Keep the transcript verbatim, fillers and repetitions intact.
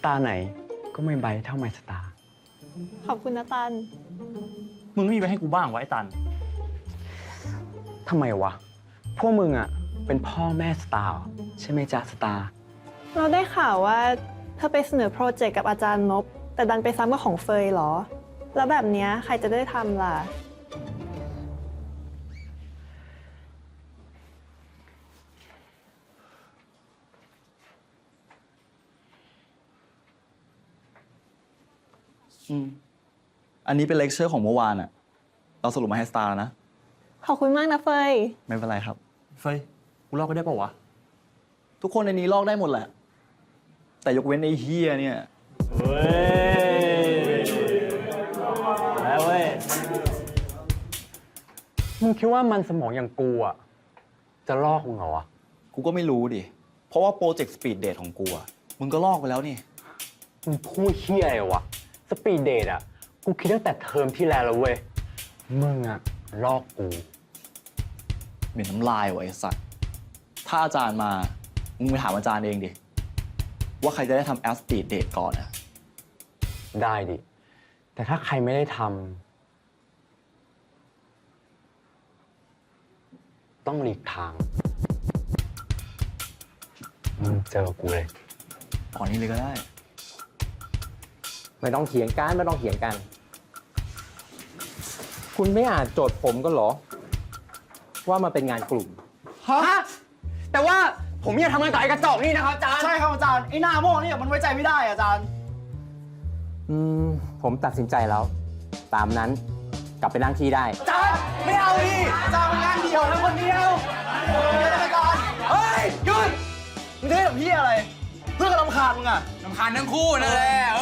ตาร์ไหนก็ไม่ไบเท่าไมสตาร์ขอบคุณนะตันมึงไม่มีไปให้กูบ้างวะไอ้ตันทำไมวะ พวกมึงอะเป็นพ่อแม่สตาร์ใช่ไหมจ๊ะสตาร์เราได้ข่าวว่าเธอไปเสนอโปรเจกต์กับอาจารย์นบแต่ดันไปซ้ำกับของเฟยเหรอ แล้วแบบเนี้ยใครจะได้ทำล่ะอืมอันนี้เป็นเลคเชอร์ของเมื่อวานอะเราสรุปมาให้สตาร์แล้วนะขอบคุณมากนะเฟยไม่เป็นไรครับเฟยกูลอกก็ได้ป่าวะทุกคนในนี้ลอกได้หมดแหละ แต่ยกเว้นไอ้เฮียเนี่ยเฮ้ยแล้วเว้ยมึงคิดว่ามันสมองอย่างกูอะจะลอกมึงเหรอวะกูก็ไม่รู้ดิ เพราะว่าโปรเจกต์สปีดเดทของกูอะมึงก็ลอกไปแล้วนี่มึงพูดเฮี้ยอะไรวะสปีดเดทอะกูคิดตั้งแต่เทอมที่แล้วแล้วเว้ยมึงอะลอกกูเหม็นน้ำลายว่ะไอ้สัตว์ถ้าอาจารย์มา มึงไปถามอาจารย์เองดิ ว่าใครจะได้ทำแอปสปีดเดทก่อนอะได้ดิ แต่ถ้าใครไม่ได้ทำต้องหลีกทางมึงเจอกูเลยตอนนี้เลยก็ได้ไม่ต้องเถียงกันไม่ต้องเถียงกัน คุณไม่อ่านโจทย์ผมก็เหรอ ว่ามันเป็นงานกลุ่มฮะแต่ว่าผมอยากทำงานกับไอ้กระจอกนี่นะครับอาจารย์ใช่ครับอาจารย์ไอ้หน้าโม่เนี่ยมันไว้ใจไม่ได้อาจารย์อืมผมตัดสินใจแล้ว ตามนั้นกลับไปนั่งที่ได้อาจารย์ไม่เอาดิอาจารย์มันงานเดียวนะคนเดียวเฮ้ยอาจารย์เฮ้ยหยุดมึงเท่กับพี่อะไรเพื่อนก็รำคาญมึงอะรำคาญทั้งคู่นั่นแหละเอ